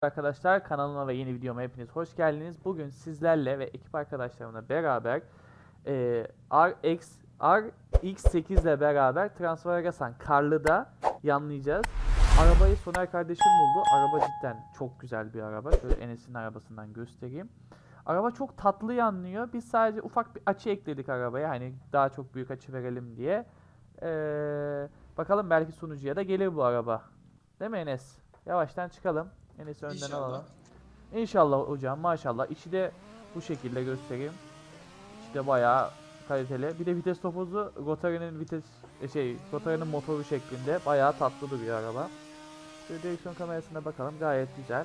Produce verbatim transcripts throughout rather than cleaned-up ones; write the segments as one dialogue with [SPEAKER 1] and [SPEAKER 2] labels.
[SPEAKER 1] Arkadaşlar kanalıma ve yeni videoma hepiniz hoş geldiniz. Bugün sizlerle ve ekip arkadaşlarımla beraber e, R X R X sekiz ile beraber Transfaragas'tan Karlı'da yanlayacağız. Arabayı Soner kardeşim buldu. Araba cidden çok güzel bir araba. Şöyle Enes'in arabasından göstereyim. Araba çok tatlı yanlıyor. Biz sadece ufak bir açı ekledik arabaya. Hani daha çok büyük açı verelim diye. Ee, bakalım belki sunucuya da gelir bu araba. Değil mi Enes? Yavaştan çıkalım. Enes'i önden
[SPEAKER 2] İnşallah.
[SPEAKER 1] alalım. İnşallah hocam, maşallah. İçi de bu şekilde göstereyim. İçi de bayağı kaliteli. Bir de vites topuzu Rotary'nin vites e, şey Rotary'nin motoru şeklinde bayağı tatlı bir araba. Şöyle direksiyon kamerasına bakalım, gayet güzel.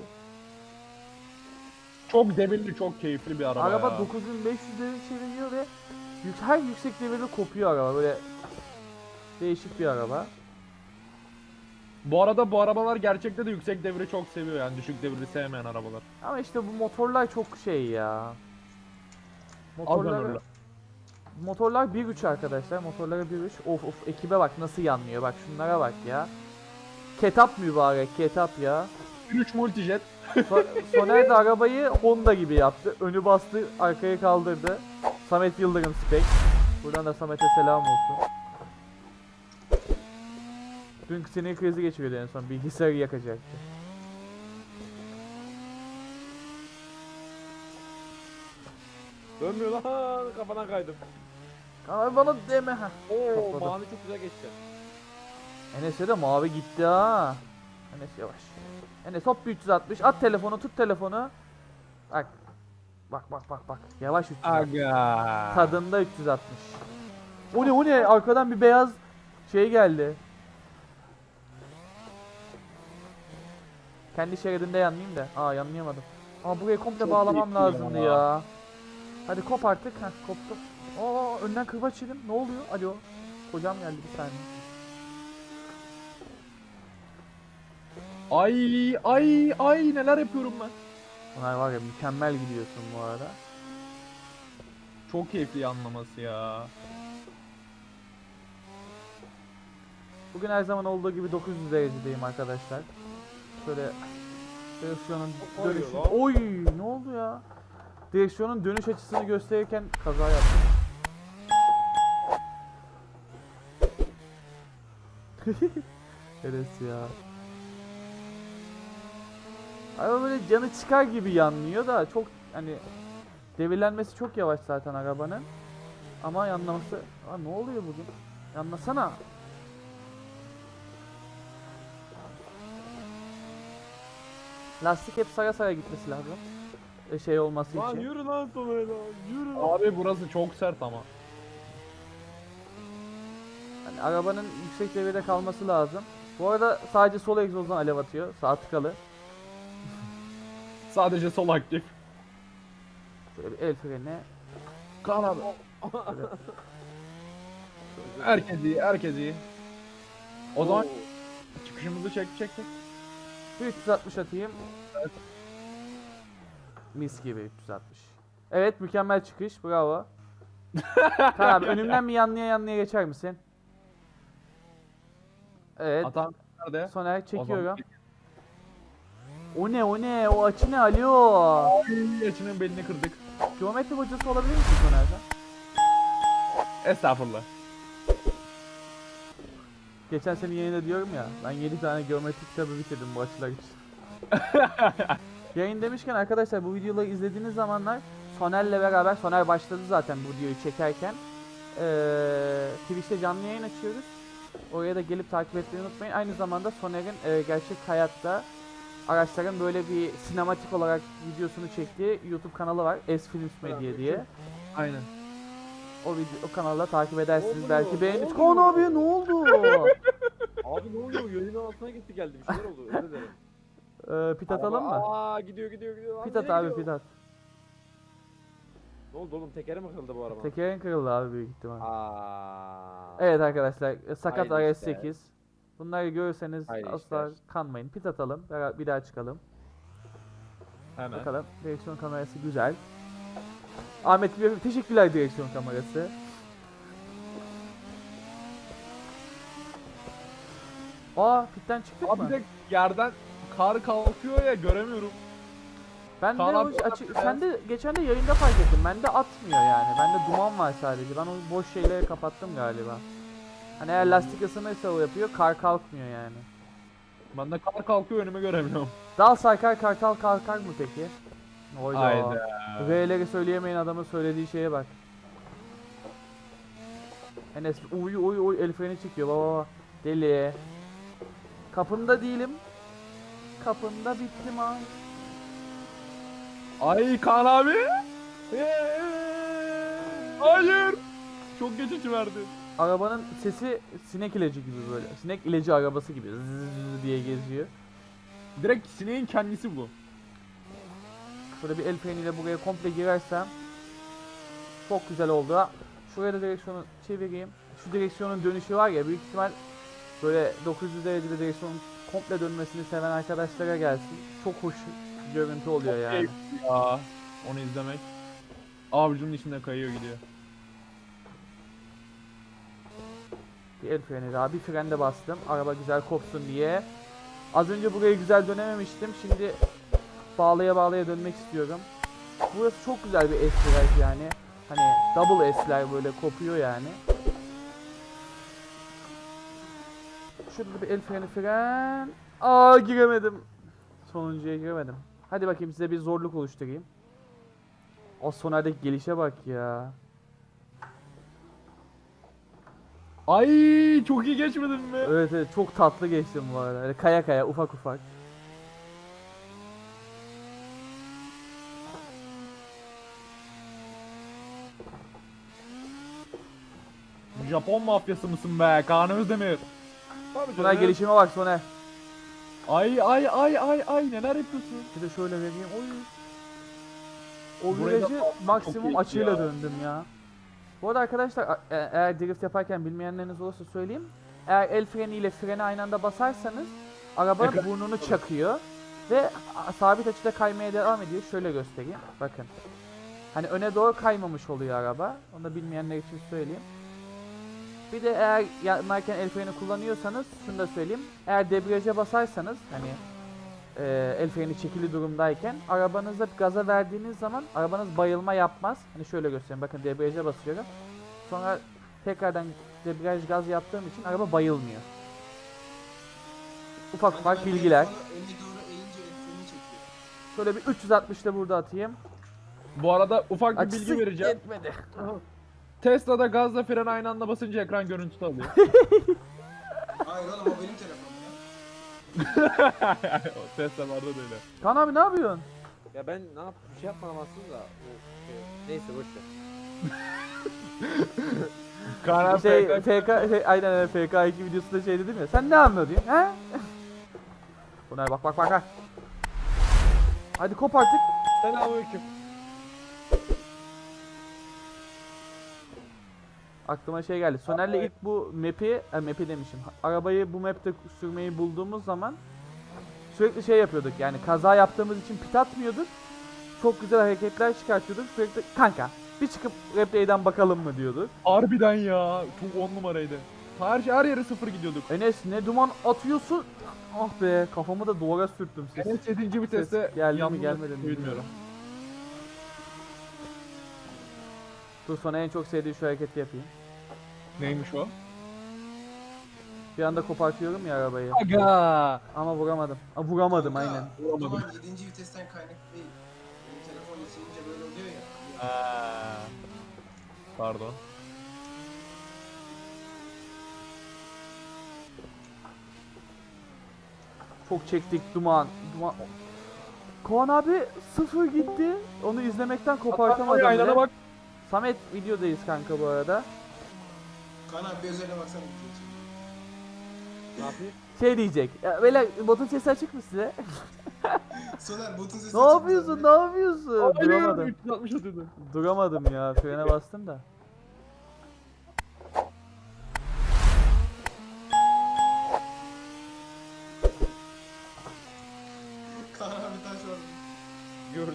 [SPEAKER 3] Çok devirli, çok keyifli bir araba,
[SPEAKER 1] Araba
[SPEAKER 3] ya.
[SPEAKER 1] dokuz bin beş yüz devir çeviriyor ve yük, her yüksek devirde kopuyor araba, böyle değişik bir araba.
[SPEAKER 3] Bu arada bu arabalar gerçekte de yüksek devri çok seviyor, yani düşük devri sevmeyen arabalar.
[SPEAKER 1] Ama işte bu motorlar çok şey ya. Motorlar
[SPEAKER 3] ömürlü.
[SPEAKER 1] Motorlar bir üç arkadaşlar. Motorları bir üç. Of of, ekibe bak nasıl yanlıyor. Bak şunlara bak ya. Ketap mübarek, ketap ya.
[SPEAKER 3] üç multijet.
[SPEAKER 1] So Soner de arabayı Honda gibi yaptı. Önü bastı, arkayı kaldırdı. Samet Yıldırım spek. Buradan da Samet'e selam olsun. Dün sinir krizi geçiriyordu en son. Bilgisayarı yakacaktı.
[SPEAKER 2] Dönmüyor lan, kafadan kaydım.
[SPEAKER 1] Ama bana deme ha.
[SPEAKER 2] Oo,
[SPEAKER 1] Topladım.
[SPEAKER 2] mavi çok güzel geçti.
[SPEAKER 1] Enes'e de mavi gitti ha. Enes yavaş. Enes hop bir üç yüz altmış. At telefonu, tut telefonu. Bak. Bak bak bak bak. Yavaş üç yüz altmış.
[SPEAKER 3] Aga.
[SPEAKER 1] Tadında üç yüz altmış. O ne o ne? Arkadan bir beyaz şey geldi. Kendi şeridinde yanlayayım da. Aa, yanlayamadım. Aa, burayı komple
[SPEAKER 3] Çok
[SPEAKER 1] bağlamam
[SPEAKER 3] iyi
[SPEAKER 1] lazımdı
[SPEAKER 3] ya.
[SPEAKER 1] ya. Hadi kop artık. Heh, koptu. Aa, önden kırbaç yedim. Ne oluyor? Alo. Kocam geldi bir saniye.
[SPEAKER 3] Ay ay ay neler yapıyorum ben.
[SPEAKER 1] Bunlar var ya, mükemmel gidiyorsun bu arada.
[SPEAKER 3] Çok keyifli yanlaması ya.
[SPEAKER 1] Bugün her zaman olduğu gibi dokuz yüz derecedeyim arkadaşlar. Şöyle direksiyonun
[SPEAKER 2] Oy
[SPEAKER 1] dönüşü...
[SPEAKER 2] lan.
[SPEAKER 1] Oy, ne oldu ya? Direksiyonun dönüş açısını gösterirken kaza yaptım. Evet ya. Araba böyle canı çıkar gibi yanlıyor da çok hani devirlenmesi çok yavaş zaten arabanın. Ama yanlaması... Aa, ne oluyor bugün? Yanlasana. Lastik hep sara sara gitmesi lazım. E, şey olması
[SPEAKER 2] Lan
[SPEAKER 1] için.
[SPEAKER 2] yürü lan sonra lan, yürü lan.
[SPEAKER 3] Abi burası çok sert ama.
[SPEAKER 1] Hani arabanın yüksek devirde kalması lazım. Bu arada sadece sol egzozdan alev atıyor. Sağ tıkalı.
[SPEAKER 3] Sadece sol aktif.
[SPEAKER 1] Şöyle bir el freni.
[SPEAKER 3] Kaan abi. Herkes iyi, herkes iyi. O zaman
[SPEAKER 2] Oo.
[SPEAKER 3] çıkışımızı çek çek çek.
[SPEAKER 1] Bir üç yüz altmış atayım. Mis gibi üç yüz altmış. Evet, mükemmel çıkış. Bravo. Kaan abi, önümden bir yanlıya yanlıya geçer misin? Evet.
[SPEAKER 3] Atan nerede?
[SPEAKER 1] Soner
[SPEAKER 3] O zaman-
[SPEAKER 1] çekiyorum. O ne o ne? O açı ne? Alo.
[SPEAKER 3] Ay, Açının belini kırdık.
[SPEAKER 1] Geometri hocası olabilir misin Soner'den?
[SPEAKER 3] Estağfurullah.
[SPEAKER 1] Geçen sene yayında diyorum ya, ben yedi tane geometri kitabı bitirdim bu açılar için. Yayın demişken arkadaşlar, bu videoları izlediğiniz zamanlar Soner'le beraber, Soner başladı zaten bu videoyu çekerken. Ee, Twitch'te canlı yayın açıyoruz. Oraya da gelip takip etmeyi unutmayın. Aynı zamanda Soner'in e, gerçek hayatta araçların böyle bir sinematik olarak videosunu çektiği YouTube kanalı var. S Films Media diye.
[SPEAKER 3] Aynen.
[SPEAKER 1] O video, o kanalda takip edersiniz,
[SPEAKER 2] Ne
[SPEAKER 1] belki
[SPEAKER 2] oluyor?
[SPEAKER 1] beğenir.
[SPEAKER 2] Ne
[SPEAKER 1] Kaan
[SPEAKER 2] oluyor?
[SPEAKER 1] abi ne oldu?
[SPEAKER 2] Abi ne oluyor? Yayının altına gitti, geldi bir şeyler oldu. Özür dilerim.
[SPEAKER 1] Ee, pit atalım mı?
[SPEAKER 2] Aa, gidiyor gidiyor gidiyor. Lan
[SPEAKER 1] Pit
[SPEAKER 2] nereye
[SPEAKER 1] at abi,
[SPEAKER 2] gidiyor?
[SPEAKER 1] pit at.
[SPEAKER 2] Ne oldu oğlum, tekeri mi kırıldı bu araba?
[SPEAKER 1] Tekerin kırıldı abi büyük ihtimal.
[SPEAKER 2] Aa.
[SPEAKER 1] Evet arkadaşlar, e, sakat
[SPEAKER 2] Hayırlı
[SPEAKER 1] R S
[SPEAKER 2] işler.
[SPEAKER 1] sekiz. Bunları görürseniz
[SPEAKER 2] Hayırlı
[SPEAKER 1] asla
[SPEAKER 2] işler.
[SPEAKER 1] kanmayın. Pit atalım, bera- bir daha çıkalım.
[SPEAKER 3] Hemen.
[SPEAKER 1] Bakalım, direksiyon kamerası güzel. Ahmet Bey, teşekkürler direksiyon kamerası. Aa, pitten çıktık
[SPEAKER 3] Abi
[SPEAKER 1] mı?
[SPEAKER 3] de yerden kar kalkıyor ya göremiyorum.
[SPEAKER 1] Ben de
[SPEAKER 3] Kaan
[SPEAKER 1] o
[SPEAKER 3] abi,
[SPEAKER 1] açı,
[SPEAKER 3] beyaz.
[SPEAKER 1] sen de geçen de yayında fark ettim. Bende atmıyor yani. Bende duman var sadece. Ben o boş şeyleri kapattım galiba. Hani eğer lastik ısınırsa o yapıyor, kar kalkmıyor yani.
[SPEAKER 3] Bende kar kalkıyor önümü göremiyorum.
[SPEAKER 1] Dal sarkar kartal kalkar mı peki? Oyda.
[SPEAKER 3] Hayda.
[SPEAKER 1] V'leri söyleyemeyen adamın söylediği şeye bak. Enes uy uy uy el freni çıkıyor baba baba. Deli. Kapında değilim. Kapında bittim ay.
[SPEAKER 3] Ay Kaan abi. Hayır. Çok geç verdi.
[SPEAKER 1] Arabanın sesi sinek ilacı gibi böyle. Sinek ilacı arabası gibi zzz diye geziyor.
[SPEAKER 3] Direkt sineğin kendisi bu.
[SPEAKER 1] Şöyle bir el freniyle buraya komple girersem çok güzel oldu. Şuraya da direksiyonu çevireyim. Şu direksiyonun dönüşü var ya, büyük ihtimal böyle dokuz yüz derecede direksiyonun komple dönmesini seven arkadaşlara gelsin. Çok hoş görüntü oluyor yani.
[SPEAKER 3] Ya onu izlemek. Avucunun içinde kayıyor gidiyor.
[SPEAKER 1] Bir el freni daha, bir frende bastım. Araba güzel kopsun diye. Az önce burayı güzel dönememiştim. Şimdi bağlaya bağlaya dönmek istiyorum. Burası çok güzel bir S-Drive yani. Hani double S'ler böyle kopuyor yani. Şurada bir el freni fren. Aa giremedim. Sonuncuya giremedim. Hadi bakayım size bir zorluk oluşturayım. O sonerdeki gelişe bak ya.
[SPEAKER 3] Ay çok iyi geçmedin mi?
[SPEAKER 1] Evet evet çok tatlı geçtim bu arada. Öyle kaya kaya ufak ufak.
[SPEAKER 3] Japon mafyası mısın be Kaan Özdemir? Tabii
[SPEAKER 1] Soner gelişime bak Soner.
[SPEAKER 3] Ay ay ay ay ay neler yapıyorsun?
[SPEAKER 1] Bir de şöyle vereyim. Oy. O
[SPEAKER 3] Burayı da
[SPEAKER 1] virajı
[SPEAKER 3] çok
[SPEAKER 1] maksimum
[SPEAKER 3] iyi
[SPEAKER 1] açıyla
[SPEAKER 3] ya.
[SPEAKER 1] döndüm ya. Bu arada arkadaşlar a- e- eğer drift yaparken bilmeyenleriniz olursa söyleyeyim. Eğer el freniyle freni aynı anda basarsanız araba
[SPEAKER 3] Ekran-
[SPEAKER 1] burnunu çakıyor ve a- sabit açıda kaymaya devam ediyor. Şöyle göstereyim. Bakın. Hani öne doğru kaymamış oluyor araba. Onu da bilmeyenler için söyleyeyim. Bir de eğer yanarken el freni kullanıyorsanız şunu da söyleyeyim. Eğer debriyaja basarsanız hani e, el freni çekili durumdayken arabanıza gaza verdiğiniz zaman arabanız bayılma yapmaz. Hani şöyle göstereyim. Bakın debriyaja basıyorum. Sonra tekrardan debriyaj gaz yaptığım için araba bayılmıyor. Ufak ufak bilgiler.
[SPEAKER 4] Öne doğru eğince el freni çekiyor.
[SPEAKER 1] Şöyle bir üç yüz altmış da burada atayım.
[SPEAKER 3] Bu arada ufak bir
[SPEAKER 1] Açısı
[SPEAKER 3] bilgi vereceğim.
[SPEAKER 1] yetmedi.
[SPEAKER 3] Tesla'da gazla fren aynı anda basınca ekran görüntüsü alıyor.
[SPEAKER 4] Hayır oğlum o benim telefonum ya.
[SPEAKER 3] O Tesla'larda da öyle.
[SPEAKER 1] Kaan abi ne yapıyorsun?
[SPEAKER 2] Ya ben ne yap bir şey yapmadım aslında da. O şey, neyse boş ver.
[SPEAKER 3] Kaan abi
[SPEAKER 1] Şey
[SPEAKER 3] F K
[SPEAKER 1] F K şey, aynen öyle F K iki videosunda şey dedim ya. Sen ne anladın? He? Bunlar bak bak bak bak. Hadi kop artık.
[SPEAKER 2] Selamünaleyküm.
[SPEAKER 1] Aklıma şey geldi. Soner'le ilk bu map'i, e, map'i demişim. Arabayı bu map'te sürmeyi bulduğumuz zaman sürekli şey yapıyorduk. Yani kaza yaptığımız için pit atmıyorduk. Çok güzel hareketler çıkartıyorduk. Sürekli kanka bir çıkıp replay'den bakalım mı diyorduk.
[SPEAKER 3] Harbiden ya. Çok on numaraydı. Her, şey, her yere sıfır gidiyorduk.
[SPEAKER 1] Enes ne duman atıyorsun? Ah be kafamı da duvara sürttüm ses.
[SPEAKER 3] Evet yedinci viteste
[SPEAKER 1] Ses geldi mi,
[SPEAKER 3] yandım
[SPEAKER 1] gelmedi mi
[SPEAKER 3] bilmiyorum.
[SPEAKER 1] bilmiyorum. Dur sonra en çok sevdiği şu hareketi yapayım.
[SPEAKER 3] Neymiş o?
[SPEAKER 1] Bir anda kopartıyorum ya arabayı.
[SPEAKER 3] Aga.
[SPEAKER 1] Ama vuramadım. Aa, vuramadım
[SPEAKER 4] Kanka,
[SPEAKER 1] aynen.
[SPEAKER 4] O zaman yedinci vitesten kaynaklı değil. Benim telefon ısınınca böyle oluyor ya.
[SPEAKER 3] Aa. Pardon.
[SPEAKER 1] Çok çektik duman. Duman. Kaan abi sıfır gitti. Onu izlemekten kopartamadım.
[SPEAKER 3] Aynana
[SPEAKER 1] bile.
[SPEAKER 3] bak.
[SPEAKER 1] Samet videodayız kanka bu arada.
[SPEAKER 4] Kaan abi bir özeline baksana.
[SPEAKER 2] Ne yapayım?
[SPEAKER 1] Şey diyecek. Ya böyle botun sesi açık mı size?
[SPEAKER 4] Soner botun sesi
[SPEAKER 1] Ne
[SPEAKER 4] açık
[SPEAKER 1] yapıyorsun?
[SPEAKER 4] zaten.
[SPEAKER 1] Ne yapıyorsun?
[SPEAKER 3] Hayır.
[SPEAKER 1] Duramadım.
[SPEAKER 3] üç yüz altmış atıyordu.
[SPEAKER 1] Duramadım ya. Frene bastım da.
[SPEAKER 4] Kaan abi taş var.
[SPEAKER 2] Gördüm.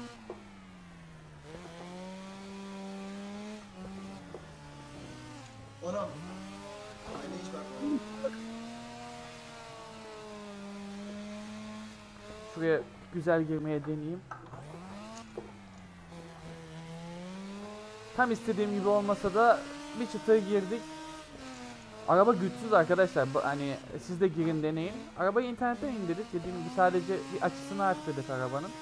[SPEAKER 4] Anam. Aynı hiç bakma.
[SPEAKER 1] şuraya güzel girmeye deneyeyim. Tam istediğim gibi olmasa da bir çıtaya girdik. Araba güçsüz arkadaşlar. Bu- Hani siz de girin deneyin. Arabayı internetten indirdik. Dediğim gibi sadece bir açısını arttırdık arabanın.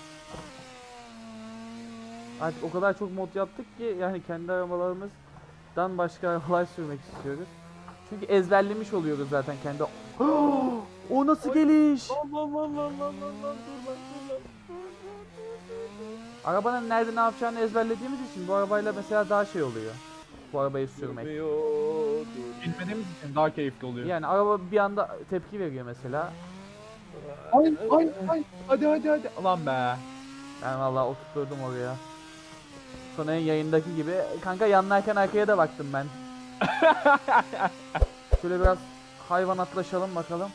[SPEAKER 1] Artık o kadar çok mod yaptık ki yani kendi arabalarımızdan başka arabalar sürmek istiyoruz. Çünkü ezberlemiş oluyoruz zaten kendi. O nasıl geliş?
[SPEAKER 2] Allah Allah Allah Allah Allah Allah dur lan dur lan.
[SPEAKER 1] Arabanın nerede ne yapacağını ezberlediğimiz için bu arabayla mesela daha şey oluyor. Bu arabayı sürmek.
[SPEAKER 2] Durmuyor dur.
[SPEAKER 3] Bilmediğimiz için daha keyifli oluyor.
[SPEAKER 1] Yani araba bir anda tepki veriyor mesela.
[SPEAKER 3] Ay ay ay. Hadi hadi hadi. Lan be.
[SPEAKER 1] Ben vallahi oturtturdum oraya. Sonra yayındaki gibi. Kanka yanlarken arkaya da baktım ben. Şöyle biraz hayvanatlaşalım bakalım.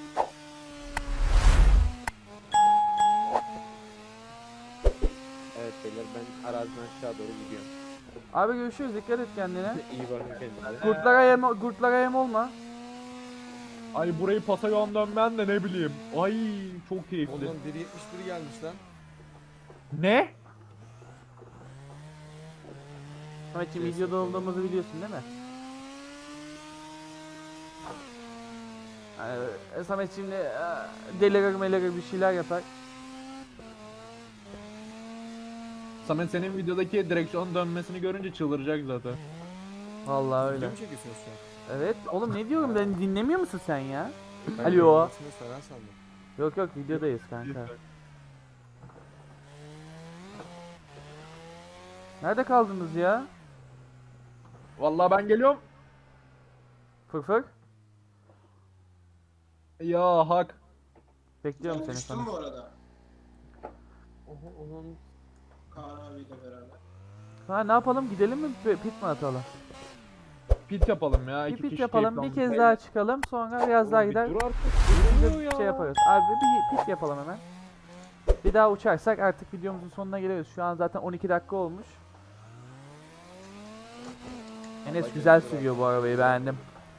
[SPEAKER 2] Evet beyler ben araziden aşağı doğru gidiyorum.
[SPEAKER 1] Abi görüşürüz, dikkat et kendine.
[SPEAKER 2] İyi bakın kendinize.
[SPEAKER 1] Kurtlara yem, kurtlara yem olma.
[SPEAKER 3] Ay burayı pasa yan dönmen de ne bileyim. Ay çok keyifli.
[SPEAKER 5] Oğlum bir yetmiş bir gelmiş lan.
[SPEAKER 3] Ne?
[SPEAKER 1] Sametciğim videoda olduğumuzu biliyorsun değil mi? Yani, Samet şimdi e, delirir melirir bir şeyler yapar.
[SPEAKER 3] Samet senin videodaki direksiyon dönmesini görünce çıldıracak zaten.
[SPEAKER 1] Vallahi öyle.
[SPEAKER 5] Video mu çekiyorsunuz şu an?
[SPEAKER 1] Evet oğlum ne diyorum, ben dinlemiyor musun sen ya?
[SPEAKER 5] Ben
[SPEAKER 1] Alo.
[SPEAKER 5] yayınlamasını falan sandım.
[SPEAKER 1] Yok yok, videodayız kanka. Nerede kaldınız ya?
[SPEAKER 3] Vallahi ben geliyorum.
[SPEAKER 1] Fırfır.
[SPEAKER 3] Ya hak.
[SPEAKER 1] Bekliyorum
[SPEAKER 4] Ben
[SPEAKER 1] seni
[SPEAKER 4] düştüm
[SPEAKER 1] sana.
[SPEAKER 4] bu arada.
[SPEAKER 2] Oha onun
[SPEAKER 4] Kaan abiyle beraber.
[SPEAKER 1] Ha ne yapalım, gidelim mi P- pit mi atalım?
[SPEAKER 3] Pit yapalım ya.
[SPEAKER 1] Bir
[SPEAKER 3] iki
[SPEAKER 1] pit
[SPEAKER 3] kişi
[SPEAKER 1] yapalım, bir
[SPEAKER 3] keyifli
[SPEAKER 1] kez
[SPEAKER 3] olmuş.
[SPEAKER 1] daha çıkalım, sonra biraz daha
[SPEAKER 2] bir
[SPEAKER 1] gider.
[SPEAKER 2] dur artık.
[SPEAKER 1] Bir
[SPEAKER 2] Durmuyor ya.
[SPEAKER 1] şey yaparız. Abi bir pit yapalım hemen. Bir daha uçarsak artık videomuzun sonuna geliriz. Şu an zaten on iki dakika olmuş. Enes güzel sürüyor bu arabayı, beğendim.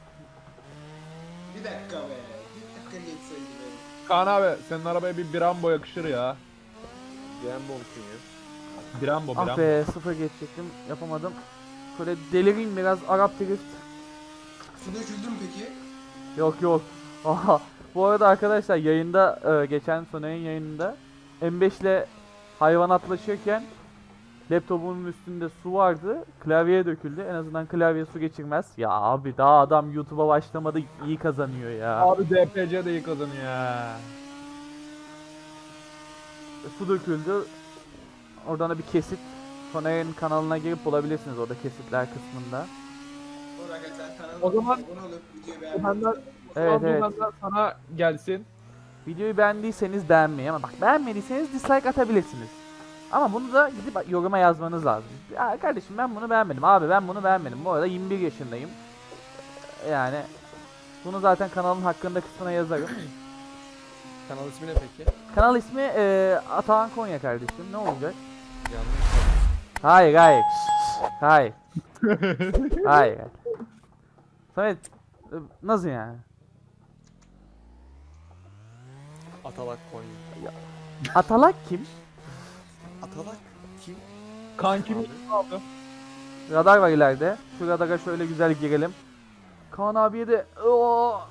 [SPEAKER 4] Bir dakika be. Bir dakika geçseydi be.
[SPEAKER 3] Kaan abi senin arabaya bir Brembo yakışır ya.
[SPEAKER 2] Brembo musun ya?
[SPEAKER 3] Brembo
[SPEAKER 1] Ah
[SPEAKER 3] Brembo.
[SPEAKER 1] be, sıfır geçecektim, yapamadım. Şöyle delireyim biraz, Arap drift.
[SPEAKER 4] Su döküldü mü peki?
[SPEAKER 1] Yok yok. Aha. Bu arada arkadaşlar yayında e, geçen Soner'in yayınında M beş ile hayvanatlaşırken laptopunun üstünde su vardı. Klavyeye döküldü. En azından klavye su geçirmez. Ya abi daha adam YouTube'a başlamadı, iyi kazanıyor ya.
[SPEAKER 3] Abi D P C de iyi kazanıyor ya.
[SPEAKER 1] Su döküldü. Oradan da bir kesit. Soner'in kanalına girip bulabilirsiniz orada kesitler kısmında.
[SPEAKER 4] Sonra arkadaşlar kanalıma
[SPEAKER 3] O zaman-
[SPEAKER 4] abone olup videoyu
[SPEAKER 3] O benden-
[SPEAKER 4] beğenmeyi
[SPEAKER 1] Evet
[SPEAKER 3] Abi
[SPEAKER 1] evet.
[SPEAKER 3] benden sana gelsin.
[SPEAKER 1] Videoyu beğendiyseniz beğenmeyi, ama bak beğenmediyseniz dislike atabilirsiniz. Ama bunu da gidip yoruma yazmanız lazım. Ya kardeşim ben bunu beğenmedim. Abi ben bunu beğenmedim. Bu arada yirmi bir yaşındayım. Yani bunu zaten kanalın hakkında kısmına yazarım.
[SPEAKER 5] Kanal ismi ne peki?
[SPEAKER 1] Kanal ismi e, Atahan Konya kardeşim. Ne olacak?
[SPEAKER 5] Yanlış.
[SPEAKER 1] Hayır hayır. Şşş, hayır. Hayır. Samet e, nasıl yani?
[SPEAKER 5] Atalak Konya.
[SPEAKER 1] Atalak kim?
[SPEAKER 5] Atalak kim?
[SPEAKER 3] Kankim
[SPEAKER 5] Abi.
[SPEAKER 3] aldı.
[SPEAKER 1] Radar var ileride. Şu radara şöyle güzel girelim. Kaan abiye de Oo.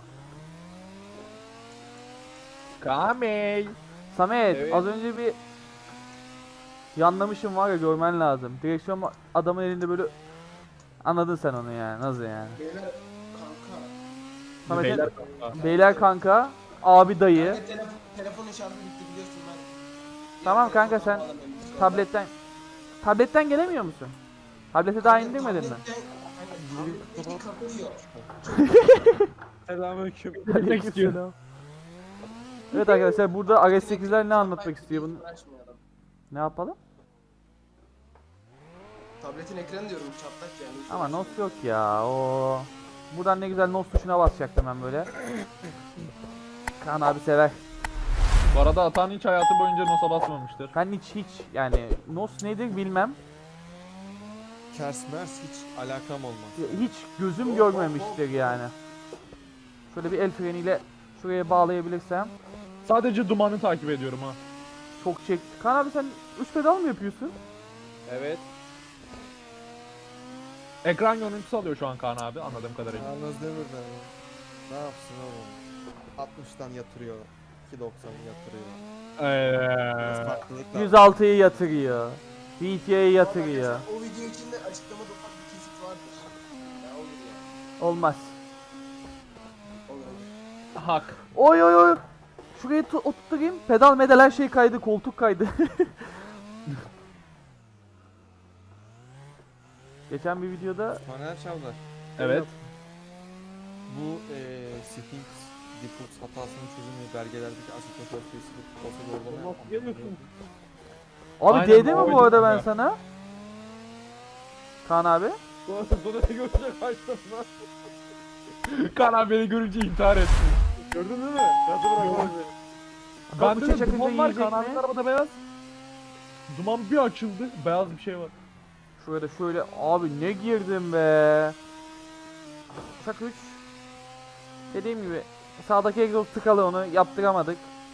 [SPEAKER 3] Kamey.
[SPEAKER 1] Samet
[SPEAKER 2] Evet.
[SPEAKER 1] az önce bir yanlamışım var ya, görmen lazım. Direksiyon adamın elinde böyle, anladın sen onu yani, nasıl yani?
[SPEAKER 4] Beyler kanka.
[SPEAKER 1] Samet'in
[SPEAKER 3] Beyler
[SPEAKER 1] beyler,
[SPEAKER 3] kanka.
[SPEAKER 1] kanka, abi dayı.
[SPEAKER 4] Kanka telefon, telefonun şarjı bitti biliyorsun ben.
[SPEAKER 1] Tamam
[SPEAKER 4] Diğer
[SPEAKER 1] kanka,
[SPEAKER 4] telefona
[SPEAKER 1] sen
[SPEAKER 4] bağlamıyorum bu sırada.
[SPEAKER 1] Tabletten tabletten gelemiyor musun? Tablete daha
[SPEAKER 4] Kanka,
[SPEAKER 1] indirmedin mi?
[SPEAKER 4] tabletten- Kanka tabletteki kapıyor.
[SPEAKER 2] Selamünaleyküm.
[SPEAKER 1] Aleykümselam. Evet arkadaşlar, burada R S sekizler ne anlatmak istiyor bunu?
[SPEAKER 4] Uğraşmıyor adam.
[SPEAKER 1] Ne yapalım?
[SPEAKER 4] Tabletin ekranı diyorum çatlak yani. hiç
[SPEAKER 1] Ama
[SPEAKER 4] uğraşmıyor.
[SPEAKER 1] nos yok ya. O buradan ne güzel nos tuşuna basacaktım ben böyle. Kaan abi sever.
[SPEAKER 3] Bu arada Atan hiç hayatı boyunca nosa basmamıştır.
[SPEAKER 1] Ben hiç hiç yani nos nedir bilmem.
[SPEAKER 5] Kers mers hiç alakam olmaz.
[SPEAKER 1] Hiç gözüm
[SPEAKER 4] Hop,
[SPEAKER 1] görmemiştir
[SPEAKER 4] hop, hop.
[SPEAKER 1] yani. Şöyle bir el freniyle şuraya bağlayabilirsem.
[SPEAKER 3] Sadece dumanı takip ediyorum ha.
[SPEAKER 1] Çok çekti. Kaan abi sen üç pedal mı yapıyorsun?
[SPEAKER 2] Evet.
[SPEAKER 3] Ekran görüntüsü alıyor şu an Kaan abi anladığım kadarıyla.
[SPEAKER 5] Yalnız Demir'den ya. Ne yapsın oğlum? altmıştan yatırıyor. iki doksanı yatırıyor. Biraz
[SPEAKER 3] Eee.
[SPEAKER 5] farklılık var.
[SPEAKER 1] yüz altıyı yatırıyor. B T A'yı
[SPEAKER 4] Ama
[SPEAKER 1] yatırıyor.
[SPEAKER 4] arkadaşlar, o video içinde açıklamada ufak bir kesit vardır. Ya olur ya.
[SPEAKER 1] Olmaz.
[SPEAKER 4] Olur olur.
[SPEAKER 3] Hak.
[SPEAKER 1] Oy oy oy. Şuraya tu- oturtayım. Pedal medal her şey kaydı. Koltuk kaydı. Geçen bir videoda
[SPEAKER 5] Soner Çavdar.
[SPEAKER 3] Evet.
[SPEAKER 5] Bu eee Sphinx default hatasının çözümü belgelerdeki asit sayısı olsa doğrulama
[SPEAKER 2] Nasıl geliyorsun?
[SPEAKER 1] abi
[SPEAKER 3] Aynen,
[SPEAKER 1] değdi mi
[SPEAKER 3] o
[SPEAKER 1] bu arada
[SPEAKER 3] video
[SPEAKER 1] ben
[SPEAKER 3] ya.
[SPEAKER 1] sana? Kaan abi.
[SPEAKER 2] Sonra sonra ne görecek kaçtın lan?
[SPEAKER 3] Kaan abi beni görünce intihar etti.
[SPEAKER 2] Gördün değil mi? Nasıl bırakmadın beni?
[SPEAKER 3] Bende
[SPEAKER 1] bıçak
[SPEAKER 3] de
[SPEAKER 1] akınca
[SPEAKER 3] duman var
[SPEAKER 1] yiyecek
[SPEAKER 3] Kaan
[SPEAKER 1] mi?
[SPEAKER 3] abinin arabada beyaz. Duman bir açıldı. Beyaz bir şey var.
[SPEAKER 1] Şurada şöyle abi ne girdim be. Uçak üç. Dediğim gibi sağdaki egzoz tıkalı, onu yaptıramadık.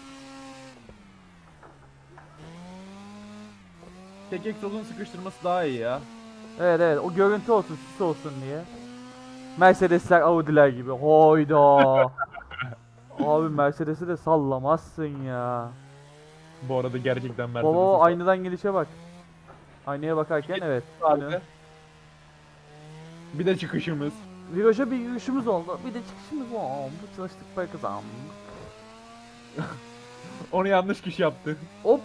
[SPEAKER 3] Tek egzozun sıkıştırması daha iyi ya.
[SPEAKER 1] Evet evet, o görüntü olsun, süs olsun diye. Mercedesler Audi'ler gibi. Hayda. Abi Mercedes'i de sallamazsın ya.
[SPEAKER 3] Bu arada gerçekten Mercedes'e
[SPEAKER 1] Baba
[SPEAKER 3] sağ-
[SPEAKER 1] aynadan gelişe bak. Aynaya bakarken evet.
[SPEAKER 3] abi.
[SPEAKER 1] Aynen.
[SPEAKER 3] Bir de çıkışımız.
[SPEAKER 1] Viraja bir yürüyüşümüz oldu. Bir de çıkışımız oldu. Çalıştık, para kazandık.
[SPEAKER 3] Onu yanlış kişi yaptı.
[SPEAKER 1] Hop.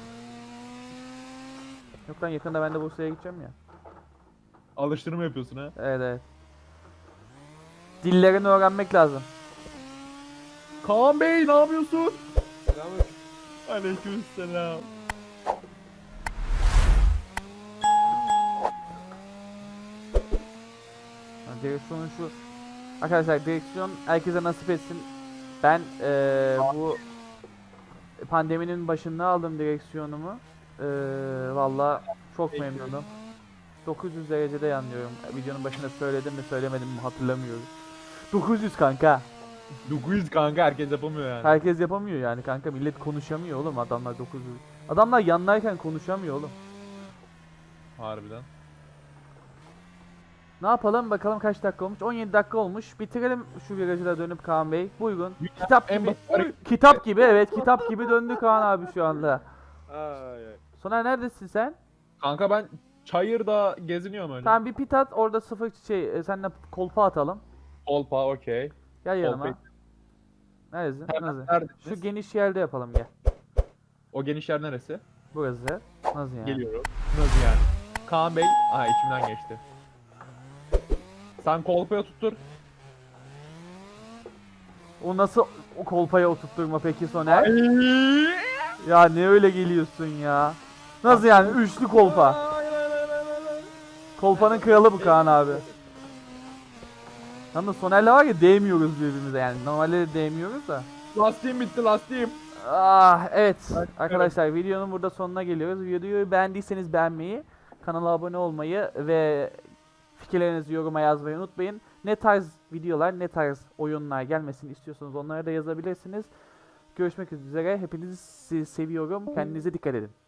[SPEAKER 1] Yok lan, yakında ben de Bursa'ya gideceğim ya.
[SPEAKER 3] Alıştırma yapıyorsun ha.
[SPEAKER 1] Evet evet. Dillerini öğrenmek lazım.
[SPEAKER 3] Kaan Bey ne yapıyorsun?
[SPEAKER 2] Selamünaleyküm.
[SPEAKER 3] Aleykümselam.
[SPEAKER 1] Ha, direksiyonun şu... Arkadaşlar direksiyon herkese nasip etsin. Ben eee bu pandeminin başında aldım direksiyonumu. Eee Valla çok memnunum. dokuz yüz derecede yanıyorum. Videonun başında söyledim mi söylemedim mi hatırlamıyorum. dokuz yüz kanka.
[SPEAKER 3] dokuz yüz kanka herkes yapamıyor yani.
[SPEAKER 1] Herkes yapamıyor yani kanka. Millet konuşamıyor oğlum, adamlar dokuz yüz. Adamlar yanlarken konuşamıyor oğlum.
[SPEAKER 3] Harbiden.
[SPEAKER 1] Ne yapalım bakalım, kaç dakika olmuş? on yedi dakika olmuş. Bitirelim şu virajı da dönüp Kaan Bey. Buyurun. Kitap
[SPEAKER 3] En
[SPEAKER 1] gibi.
[SPEAKER 3] basit
[SPEAKER 1] Kitap gibi, evet, kitap gibi döndü Kaan abi şu anda.
[SPEAKER 2] Ay ay.
[SPEAKER 1] Soner neredesin sen?
[SPEAKER 3] Kanka ben Çayır'da geziniyorum öyle.
[SPEAKER 1] Tamam, bir pit at, orada sıfır şey e, seninle kolpa atalım.
[SPEAKER 3] Kolpa okey.
[SPEAKER 1] Gel yanıma.
[SPEAKER 3] Kolpayı-
[SPEAKER 1] Neredesin?
[SPEAKER 3] Hemen
[SPEAKER 1] Nasıl?
[SPEAKER 3] neredesiniz?
[SPEAKER 1] Şu geniş yerde yapalım, gel.
[SPEAKER 3] O geniş yer neresi?
[SPEAKER 1] Burası. Nasıl yani?
[SPEAKER 3] Geliyorum. Nasıl yani? Kaan Bey, aha içimden geçti. Sen kolpaya tuttur.
[SPEAKER 1] O nasıl o kolpaya oturtturma peki Soner? Ya ne öyle geliyorsun ya? Nasıl yani üçlü kolpa? Kolpanın kralı bu Kaan abi. Yalnız Soner'le var ya, değmiyoruz birbirimize yani. Normalde de değmiyoruz da.
[SPEAKER 3] Lastiğim bitti lastiğim.
[SPEAKER 1] Ah evet arkadaşlar, videonun burada sonuna geliyoruz. Videoyu beğendiyseniz beğenmeyi, kanala abone olmayı ve fikirlerinizi yoruma yazmayı unutmayın. Ne tarz videolar, ne tarz oyunlar gelmesini istiyorsanız onlara da yazabilirsiniz. Görüşmek üzere. Hepinizi seviyorum. Kendinize dikkat edin.